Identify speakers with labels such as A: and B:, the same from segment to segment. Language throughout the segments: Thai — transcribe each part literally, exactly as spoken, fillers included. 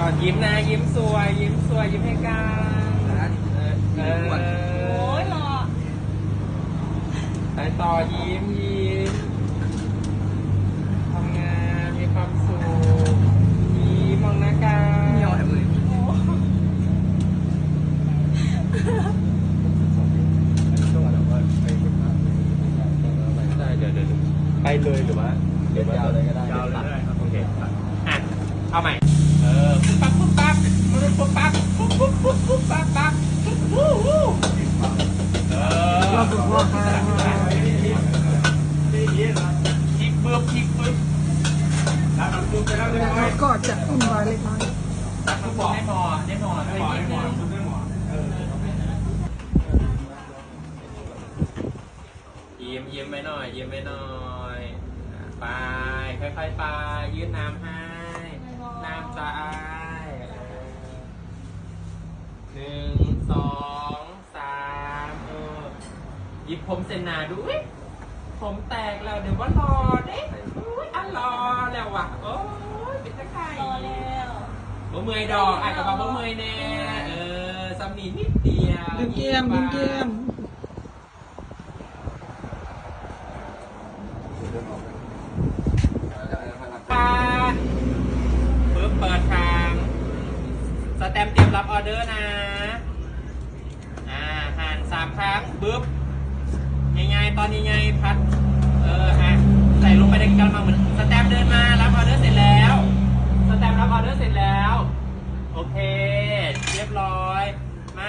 A: อนยิ้มนะยิ้มสวยยิ้มสวยยิ้มให้กันเออโอ้ยหล่อไปต่อยิ้มยิ้มทำงานมีความสุขยิ้มมองหน้ากันเหนียวแอบเลยได้เดี๋ยวเดี๋ยวไปเลยหรือว่าเดี๋ยวยาวเลยก็ได้ยาวเลยได้ครับโอเคอ่ะเอาใหม่เออปุ๊บปั๊บปุ๊บปั๊บปุ๊บปั๊บปุ๊บปุ๊บปุ๊บปุ๊บปั๊บปั๊บปุ๊บปุ๊บเออเราฝึกว่าคลิกเบิ้มคลิกเบิ้ม
B: แล้วก็จะอุ่นวายเล็กน้อย
A: ได้หมอได้หมอได้หมอได้หมอยิ้มยิ้มไปหน่อยยิ้มไปหน่อยไปค่อยๆไปยืดน้ำให้น้ำจะอายหนึ่งสองสามเออหยิบผมเซนนาดูผมแตกแล้วเดี๋ยวว่ารอเด้อุ้ยอ่ะรอแล้วว่ะโอ้ยเป็นตะไคร่รอแล้วบ่เมื่อยดอกอ่ะกับบ่เมื่อยแน่เออซัมนี่นิดเดียว
B: ดึงเกมดึงเกม
A: ปาปึ๊บเปิดทางสแตมป์เตรียมรับออเดอร์นะอ่าหันสามครั้งปึ๊บยังไงตอนยังไงพัดเออฮะใส่ลงไปในกระมังเหมือนสแตมป์เดินมารับออเดอร์เสร็จแล้วสแตมป์รับออเดอร์เสร็จแล้วโอเคเรียบร้อยมา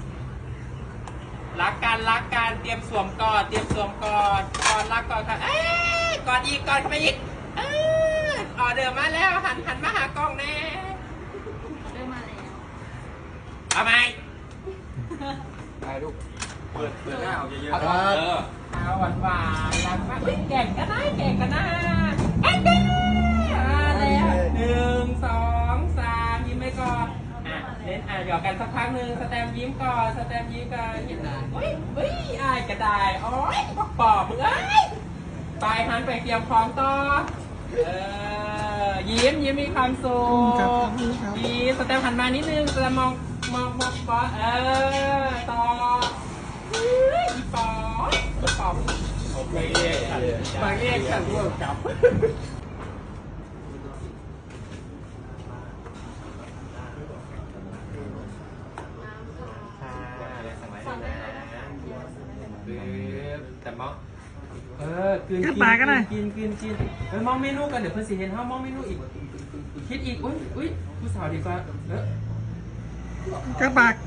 A: รักกันรักกันเตรียมสวมกอดเตรียมสวมกอดกอดรักกอดค่ะเอ้ยกอดอีกกอดเข้าไปอีกเออออเดอร์มาแล้วหันหันมาหากล้องแน่เริ่มมาแล้วเอาไหมไปลูกเปิดเปิดหน้าเอาเยอะๆเออเอาหวานหวานรักมากเก่งกันนะเก่งกันนะเอ้ยแล้วหนึ่งสองสามยิ้มไปก่อนอ่ะเล่นอ่ะหยอกกันสักพักหนึ่งสแตมยิ้มก่อนสแตมยิ้มก่อนยิ้มเฮ้ยเฮ้ยอายกระดายโอ้ยปอกปอกมึงเอ้ยไปหันไปเตรียมพร้อมต่อเออยิ้มยิ้มมีความสุขยิ้มสแตมหันมานิดนึงสแตมมองมองมองปอเออต่ออีปออีปอโอเคบางเอกขันร่วมกับแต่มองเออกินกินกินกินกินเออมองเมนูกันเดี๋ยวเพื่อนสิเห็นเขามองเมนูอีกคิดอีกอุ้ยอุ้ยผู้สาวดีกว่าเออก
B: ระปาก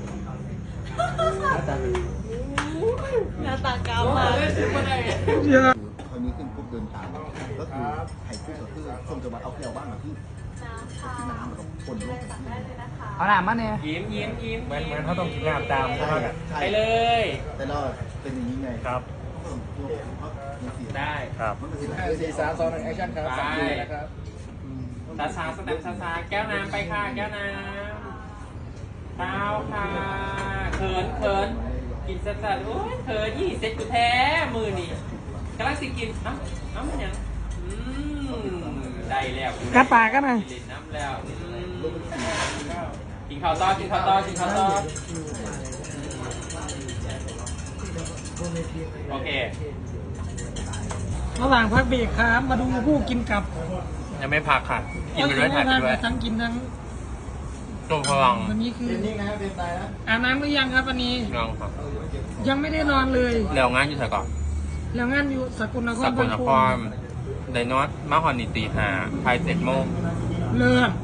C: หน้าตากาวมา
B: เยอะ
D: คราวนี้ขึ้นปุ๊บเดินตามก็คือไข่กุ้งก็คือส้มจะมาเอาเกลียวบ้านมาที่ที่น้ำกับคนลง
B: เอาหนามมาเนี่ย
A: ยิ้มยิ้มยิ้ม
E: เหมือนเหมือนเขาต้องกินน้ำตามใช่ไหม
A: ไปเลย
D: แต่เราเป็นอย่างนี้ไง
E: ครับ
A: ได้
E: ครับ
D: สี่สามสองหนึ่งแอคชั่นครับ
A: ไปนะครับซาซาสแตมซาซาแก้วน้ำไปค่ะแก้วน้ำข้าวค่ะเขินเขินกินซาซาโอ้ยเขินยี่เซ็ตกูแท้มือนี่กำลังสิกินเอ้าเอ้ามันยังอืมได้แล้ว
B: กระปากกันหน่อย
A: กินน้ำแล้วกินข้าวต้อกินข้าวต้อกินข้าวต้อโอเค
B: ระหว่างพักเบรกครับมาดูผู้กินกับ
A: ยังไม่พักค่ะกินไปด้วยถ่ายไปด้วย
B: ทั้งกินทั้ง
A: ตัวพลัง
B: วันนี้คืออาบน้ำหรือยังครับวันนี้
A: ยังครับ
B: ยังไม่ได้นอนเลย
A: แล้วงานอยู่ไหนก่อน
B: แล้วงานอยู่สกลนคร
A: สกลนครไดนอตมาฮอนนิตีหาภายเจ็ดโมง
B: เลิก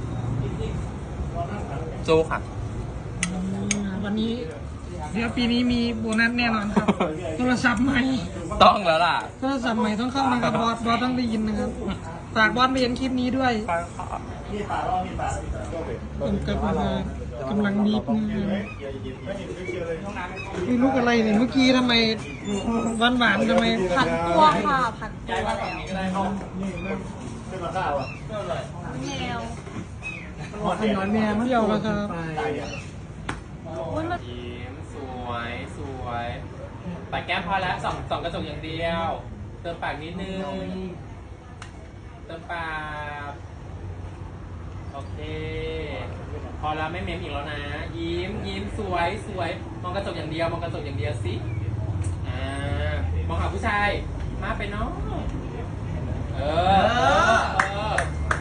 A: สู้ค่ะ
B: วันนี้เดี๋ยวปีนี้มีโบนัสแน่นอนครับโทรศัพท์ใหม่
A: ต้องแล้วล่ะ
B: โทรศัพท์ใหม่ต้องเข้านะครับบอสบอสต้องได้ยินนะครับฝากบอสไปเห็นคลิปนี้ด้วยผมกำลังกำลังบีบนี่ลูกอะไรเนี่ยเมื่อกี้ทำไมหวานหวานทำไม
C: ผัดตัวค่ะผัดตัวแมว
B: ไอ้หนอนแม่เที่ยวแล้วครับ
A: ยิ้มสวยสวยปากแก้มพอแล้วสองสองกระจกอย่างเดียวเติมปากนิดนึงเติมปากโอเคพอแล้วไม่เม้มอีกแล้วนะ ยิ้มยิ้มสวยสวยมองกระจกอย่างเดียวมองกระจกอย่างเดียวสิอ่ามองหาผู้ชายมาไปเนาะเออเออเออ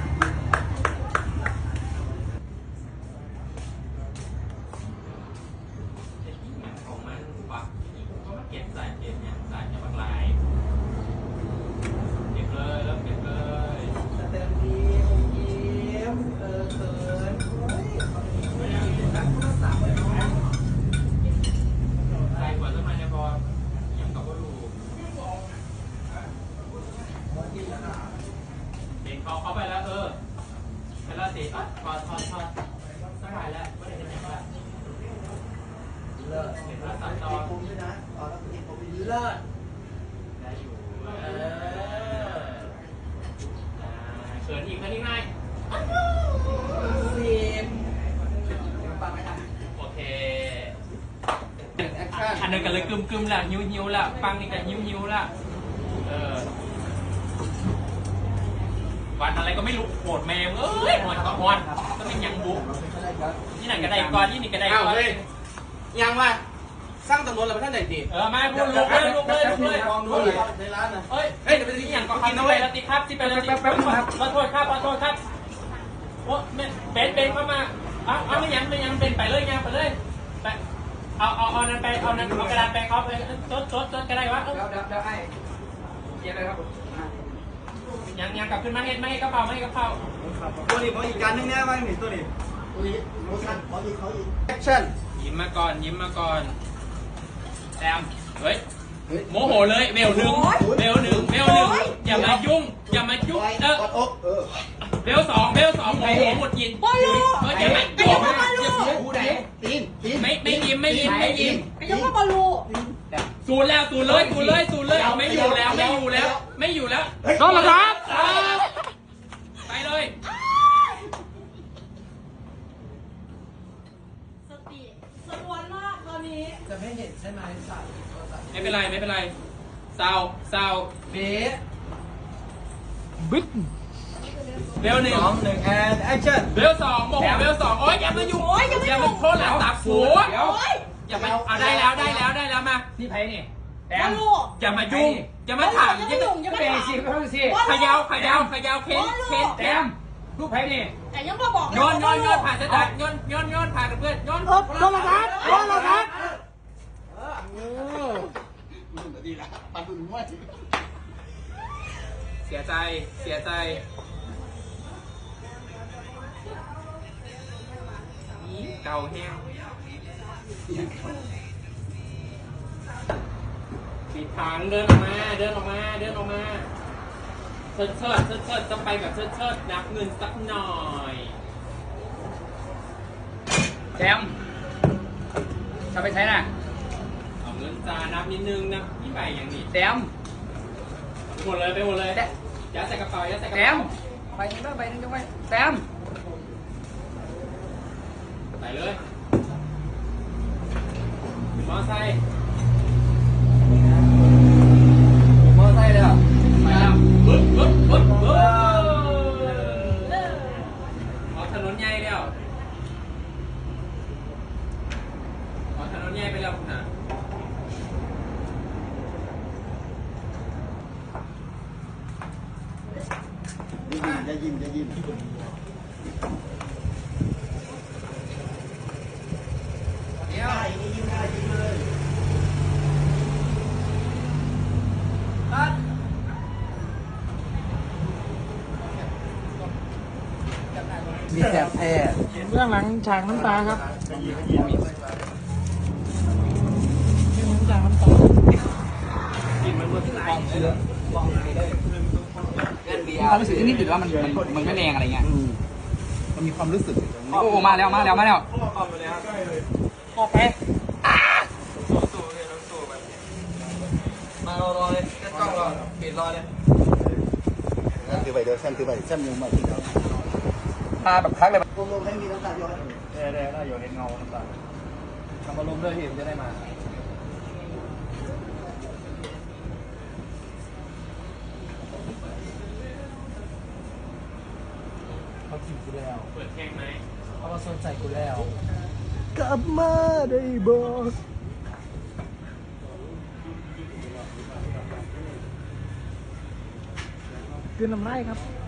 A: ของมันปักก็มาเก็บใส่เก็บเนี่ยใส่จะบางลายเก็บเลยแล้วเก็บเลยเต็มทียิ้มเออเขินใส่กว่าจะมาในบอลยังกับว่ารูเด็กเขาเข้าไปแล้วเออไปแล้วสิอ่ะถอดถอดถอดสบายแล้วไม่ได้เห็นแบบเลิศเห็นแล้วตัดตอนด้วยนะตอนแล้วคุณผมไปเลิศได้อยู่เออเขินอีกเขินอีกไงสิบโอเคอันนั้นกันเลยกึมกึมละหิวหิวละฟังนี่กันหิวหิวละเออวันอะไรก็ไม่รู้โหดแมวเอ้ยหอนก็หอนก็เป็นยังบุกที่ไหนกระไดก่อนที่นี่กระไดก่อนยังว่าสร้างตำรวจแล้วท่านไหนดีเออมาพูดลุกเลยลุกเลยลุกเลยมองดูเลยในร้านนะเฮ้ยเฮ้ยเดี๋ยวไปที่อย่างก่อนกินด้วยแล้วติครับที่เป็นแล้วติแป๊บๆครับขอโทษครับขอโทษครับโอ้เป็นเป็นเข้ามาเอาเอาไม่ยังไม่ยังเป็นไปเลยยังไปเลยไปเอาเอาเอานั้นไปเอานั้นเอากระดาษไปเขาไปจดจดจดกระไดวะเดี๋ยวเดี๋ยวเดี๋ยวให้เย็นเลยครับยังยังกลับขึ้นมาเห็ดไม่ให้กระเป๋าไม่ให้กระเป๋าตัวนี้ผมอีกการนึงแน่ว่าหนิตัวนี้
D: ตัวนี้โมชั่นขออีกขออีก
A: แอคชั่นยิ้มมาก่อนยิ้มมาก่อนแซมเฮ้ยโมโหเลยเบลหนึ่งเบลหนึ่งเบลหนึ่งอย่ามายุ่งอย่ามายุ่งเออก
D: ดอกเออ
A: เบลสองเบลสองโมโหหมดยิน
C: บอลลู
A: เอออย่ามายุ่งอย่า
D: หูไหนตีนตีน
A: ไม่ไม่ยิ้มไม่ยิ้มไม่ยิ้ม
C: ไอ้ยังว่าบอลลู
A: สูนแล้วสูนเลยสูนเลยสูนเลยไม่อยู่แล้วไม่อยู่แล้วไม่อยู่แล้ว
B: โดนแล้วครับ
A: ไปเลย
C: สติสลวนมากตอนนี้
F: จะไม่เห็นใช่ไหมสัตว์
A: ไม่เป็นไรไม่เป็นไรซาวซาว
F: เบส
B: บิ๊ก
A: เบลหนึ่ง
F: สองหนึ่งแอนแอคชั่น
A: เบลสองโมโหเบลสองโอ๊ยอย่ามายุ่งอย่ามาโทษหลังตับสูง
F: เดี๋ยว
A: อย่ามาอ่ะได้แล้วได้แล้วได้แล้วมา
F: นี่ไพ่นี่แอบ
C: อ
F: ม
C: ลลู
A: อย่ามายุ่งอย่ามาถาม
C: อย่า
A: อย่า
C: มา
A: มา
C: ยุ่งอย่ามา
F: เบ
C: ถาม
F: สิเพิ่มสิ
A: ขยาวขยาวขยาวเค้นเค้น
F: แอมรูปไพ่นี่
C: แต่ยังมาบอก
A: โยนโยนโยนผ่านสตาร์ทโยนโยนโยนผ่านกับเพื่อนโยน
B: โดนแล้วครับโดนแล้วครับ
D: ดีละปันดุนมั่วจริง
A: เสียใจเสียใจนี่เก่าแห้งปิดทางเดินออกมาเดินออกมาเดินออกมาเชิดเชิดเชิดเชิดจะไปแบบเชิดเชิดนับเงินสักหน่อย
F: แอมจะไปใช้น่ะ
A: เอาเงินจานับนิดนึงนะนี่ใบอย่างนี้
F: แอม
A: หมดเลยไปหมดเลยยัดใส่กระเป๋ายัดใส่กระ
F: แอ
A: เป๋าม
F: ไปนึงแล้วไปนึงจะไปแอม
A: ใส่เลยมอไซค์
F: มอไซค์เลยอ่ะ
A: ไปแล้วปึ๊บปึ๊บปึ๊บปึ๊บออกถนนใหญ่แล้วออกถนนใหญ่ไปแล้วคุณฮะ
D: ได้ยินได้ยินได้ยิน
F: เดี๋ยว
D: ได้ยินได้ยินเลย
F: ตัด มีแสบแท้
B: เรื่องหลังฉากน้ำตาครับเรื่องหลังฉากน้ำตา
F: กินมันมันลองเชื้อลองไปได้ความรู้สึกนิดๆว่ามันมันมันไม่แรงอะไรเงี้ย
D: มันมีความรู้สึก
F: โอ้โหมาแล้วมาแล้วมาแล้วโอเค
E: มารอรอเลยแค่กล้องรอปิดรอเลย
D: ถือไปเดี๋ยวแซมถือไปแซมยังมาที่เรา
F: มาแบบพักเลย
D: รวมๆให้มีน้ำตาย้อย
E: ได้ได้ได้อยู่ในเงาน้ำตาทำอารมณ์ด้วยที่มันจะได้มา
A: เปิดเพลงไหม
B: เขามาสนใจกูแล้ว
D: กลับมาได้บอก
B: คือน้ำไร่ครับ